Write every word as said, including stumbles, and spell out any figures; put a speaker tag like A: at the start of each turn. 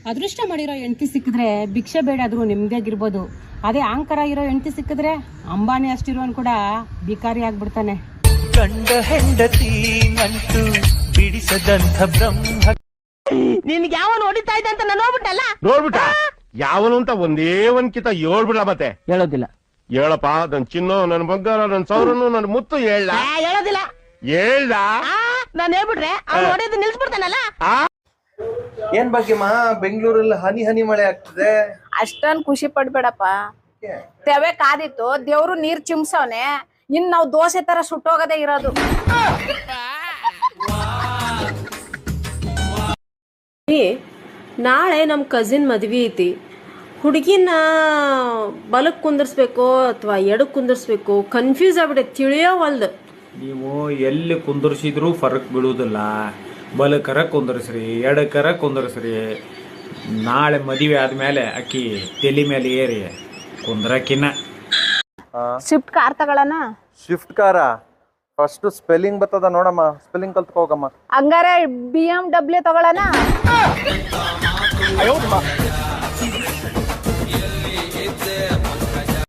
A: ಅದೃಷ್ಟ ಮಾಡಿರೋ ಹೆಂಡತಿ ಸಿಕ್ಕಿದ್ರೆ ಭಿಕ್ಷೆ ಬೇಡಾದ್ರೂ ನೆಮ್ಮದಿಯಾಗಿರ್ಬೋದು. ಅದೇ ಅಹಂಕಾರ ಇರೋ ಹೆಂಡತಿ ಸಿಕ್ಕಿದ್ರೆ ಅಂಬಾನಿ ಅಷ್ಟಿರೋನ್ ಕೂಡ ಭಿಕಾರಿ ಆಗ್ಬಿಡ್ತಾನೆ.
B: ಗಂಡ ಹೆಂಡತಿ ನಂಟು ಬಿಡಿಸದಂಥ ಬ್ರಹ್ಮ.
C: ನಿನ್ಗೆ ಯಾವ ನೋಡಿತಾ ಇದ್ದ ಅಂತ ನಾನು ನೋಡ್ಬಿಟ್ಟಲ್ಲ.
D: ನೋಡ್ಬಿಟ್ಟ ಯಾವನು ಅಂತ ಒಂದೇ ಒಂದ್ ಕಿತ ಹೇಳ್ಬಿಡ. ಮತ್ತೆ
C: ಹೇಳೋದಿಲ್ಲ.
D: ಹೇಳಪ್ಪ, ನನ್ ಚಿನ್ನು, ನನ್ ಬಂಗಾರ, ನನ್ ಸೌರನು, ನನ್ ಮುತ್ತು ಹೇಳ.
C: ಹೇಳೋದಿಲ್ಲ.
D: ಹೇಳ್ದ
C: ನಾನು ಹೇಳ್ಬಿಟ್ರೆ ಅವ್ನು ನೋಡಿದ್ದು ನಿಲ್ಸ್ಬಿಡ್ತಾನಲ್ಲ.
E: ಏನ್ ಭಾಗ್ಯಮ್ಮ, ಬೆಂಗಳೂರಲ್ಲಿ ಹನಿ ಹನಿ ಮಳೆ ಆಗ್ತದೆ.
F: ಅಷ್ಟೊಂದ್ ಖುಷಿ ಪಡ್ಬೇಡಪ್ಪ. ತೆವೆ ಕಾದಿತ್ತು, ದೇವ್ರು ನೀರ್ ಚಿಮ್ಸವ್ನೆ. ಇನ್ ನಾವ್ ದೋಸೆ ತರ ಸುಟ್ಟೋಗದೆ ಇರೋದು.
G: ನಾಳೆ ನಮ್ಮ ಕಸಿನ್ ಮದ್ವೆ ಐತಿ. ಹುಡುಗಿನ ಬಲಕ್ ಕುಂದರ್ಸ್ಬೇಕು ಅಥವಾ ಎಡಕ್ ಕುಂದರ್ಸ್ಬೇಕು ಕನ್ಫ್ಯೂಸ್ ಆಗ್ಬಿಟ್ಟೆ, ತಿಳಿಯೋವಲ್ದು.
H: ನೀವು ಎಲ್ಲಿ ಕುಂದರ್ಸಿದ್ರು ಫರಕ್ ಬೀಳುವುದಿಲ್ಲ. ಬಲಕರ ಕುಂದರ್ಸ್ರಿ, ಎಡಕರ ಕುಂದರ್ಸ್ರಿ. ನಾಳೆ ಮದುವೆ ಆದ್ಮೇಲೆ ಅಕ್ಕಿ ತಲೆ ಮೇಲೆ ಏರಿ ಕುಂದ್ರಕಿನ.
F: ಸ್ವಿಫ್ಟ್ ಕಾರ್ ತಗೊಳ್ಳೋಣ.
E: ಶಿಫ್ಟ್ ಕಾರ ಫಸ್ಟ್ ಸ್ಪೆಲ್ಲಿಂಗ್ ಬರ್ತದ ನೋಡಮ್ಮ, ಸ್ಪೆಲ್ಲಿಂಗ್ ಕಲ್ತ್ಕೋಗಮ್ಮ.
F: ಹಂಗಾರೆ ಬಿ ಎಂ ಡಬ್ಲ್ಯೂ ತಗೊಳ್ಳೋಣ.